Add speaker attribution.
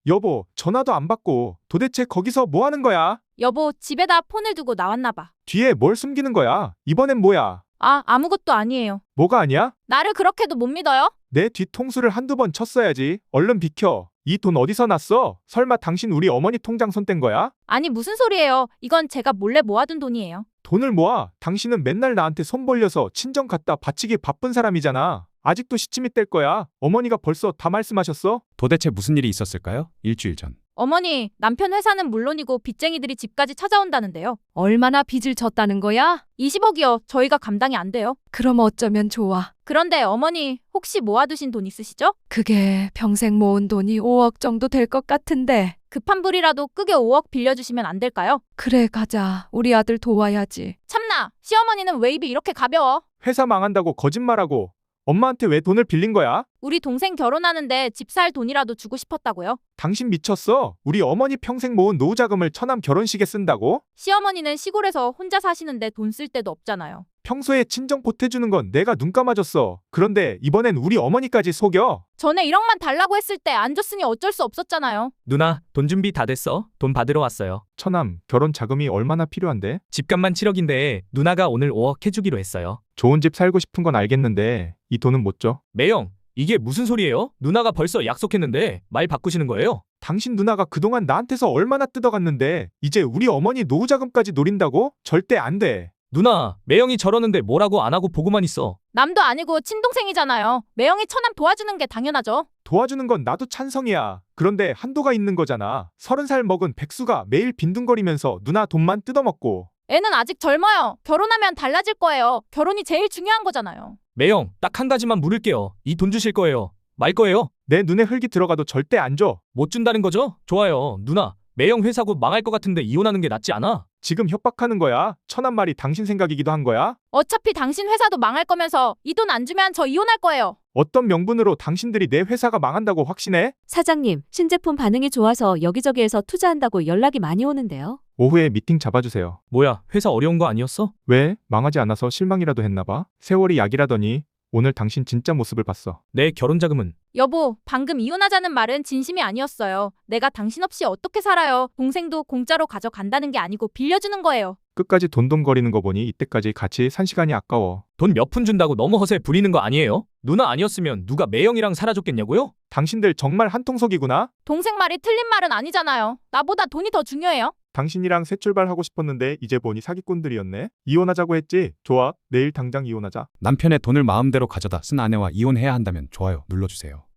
Speaker 1: 여보, 전화도 안 받고 도대체 거기서 뭐 하는 거야?
Speaker 2: 여보, 집에다 폰을 두고 나왔나 봐.
Speaker 1: 뒤에 뭘 숨기는 거야? 이번엔 뭐야?
Speaker 2: 아, 아무것도 아니에요.
Speaker 1: 뭐가 아니야?
Speaker 2: 나를 그렇게도 못 믿어요?
Speaker 1: 내 뒤통수를 한두 번 쳤어야지. 얼른 비켜. 이 돈 어디서 났어? 설마 당신 우리 어머니 통장 손 뗀 거야?
Speaker 2: 아니, 무슨 소리예요? 이건 제가 몰래 모아둔 돈이에요.
Speaker 1: 돈을 모아. 당신은 맨날 나한테 손 벌려서 친정 갖다 바치기 바쁜 사람이잖아. 아직도 시침이 뗄 거야. 어머니가 벌써 다 말씀하셨어?
Speaker 3: 도대체 무슨 일이 있었을까요? 일주일 전.
Speaker 2: 어머니, 남편 회사는 물론이고 빚쟁이들이 집까지 찾아온다는데요.
Speaker 4: 얼마나 빚을 졌다는 거야?
Speaker 2: 20억이요. 저희가 감당이 안 돼요.
Speaker 4: 그럼 어쩌면 좋아.
Speaker 2: 그런데 어머니, 혹시 모아두신 돈 있으시죠?
Speaker 4: 그게 평생 모은 돈이 5억 정도 될 것 같은데.
Speaker 2: 급한 불이라도 끄게 5억 빌려주시면 안 될까요?
Speaker 4: 그래, 가자. 우리 아들 도와야지.
Speaker 2: 참나, 시어머니는 왜 입이 이렇게 가벼워?
Speaker 1: 회사 망한다고 거짓말하고 엄마한테 왜 돈을 빌린 거야?
Speaker 2: 우리 동생 결혼하는데 집 살 돈이라도 주고 싶었다고요?
Speaker 1: 당신 미쳤어? 우리 어머니 평생 모은 노후 자금을 처남 결혼식에 쓴다고?
Speaker 2: 시어머니는 시골에서 혼자 사시는데 돈 쓸 데도 없잖아요.
Speaker 1: 평소에 친정 보태주는 건 내가 눈 감아줬어. 그런데 이번엔 우리 어머니까지 속여.
Speaker 2: 전에 1억만 달라고 했을 때 안 줬으니 어쩔 수 없었잖아요.
Speaker 5: 누나, 돈 준비 다 됐어. 돈 받으러 왔어요.
Speaker 1: 처남, 결혼 자금이 얼마나 필요한데?
Speaker 5: 집값만 7억인데 누나가 오늘 5억 해주기로 했어요.
Speaker 1: 좋은 집 살고 싶은 건 알겠는데 이 돈은 못 줘.
Speaker 5: 매영, 이게 무슨 소리예요? 누나가 벌써 약속했는데 말 바꾸시는 거예요?
Speaker 1: 당신 누나가 그동안 나한테서 얼마나 뜯어갔는데 이제 우리 어머니 노후 자금까지 노린다고? 절대 안 돼.
Speaker 5: 누나, 매영이 저러는데 뭐라고 안 하고 보고만 있어.
Speaker 2: 남도 아니고 친동생이잖아요. 매형이 처남 도와주는 게 당연하죠.
Speaker 1: 도와주는 건 나도 찬성이야. 그런데 한도가 있는 거잖아. 30살 먹은 백수가 매일 빈둥거리면서 누나 돈만 뜯어먹고.
Speaker 2: 애는 아직 젊어요. 결혼하면 달라질 거예요. 결혼이 제일 중요한 거잖아요.
Speaker 5: 매영, 딱 한 가지만 물을게요. 이 돈 주실 거예요? 말 거예요?
Speaker 1: 내 눈에 흙이 들어가도 절대 안 줘.
Speaker 5: 못 준다는 거죠? 좋아요. 누나, 매영 회사 곧 망할 것 같은데 이혼하는 게 낫지 않아?
Speaker 1: 지금 협박하는 거야? 천한 말이 당신 생각이기도 한 거야?
Speaker 2: 어차피 당신 회사도 망할 거면서 이 돈 안 주면 저 이혼할 거예요.
Speaker 1: 어떤 명분으로 당신들이 내 회사가 망한다고 확신해?
Speaker 6: 사장님, 신제품 반응이 좋아서 여기저기에서 투자한다고 연락이 많이 오는데요.
Speaker 1: 오후에 미팅 잡아주세요.
Speaker 5: 뭐야, 회사 어려운 거 아니었어?
Speaker 1: 왜? 망하지 않아서 실망이라도 했나 봐? 세월이 약이라더니 오늘 당신 진짜 모습을 봤어.
Speaker 5: 내 결혼 자금은?
Speaker 2: 여보, 방금 이혼하자는 말은 진심이 아니었어요. 내가 당신 없이 어떻게 살아요. 동생도 공짜로 가져간다는 게 아니고 빌려주는 거예요.
Speaker 1: 끝까지 돈돈거리는 거 보니 이때까지 같이 산 시간이 아까워.
Speaker 5: 돈 몇 푼 준다고 너무 허세 부리는 거 아니에요? 누나 아니었으면 누가 매영이랑 살아줬겠냐고요?
Speaker 1: 당신들 정말 한통속이구나?
Speaker 2: 동생 말이 틀린 말은 아니잖아요. 나보다 돈이 더 중요해요.
Speaker 1: 당신이랑 새 출발하고 싶었는데 이제 보니 사기꾼들이었네. 이혼하자고 했지? 좋아. 내일 당장 이혼하자.
Speaker 3: 남편의 돈을 마음대로 가져다 쓴 아내와 이혼해야 한다면 좋아요 눌러주세요.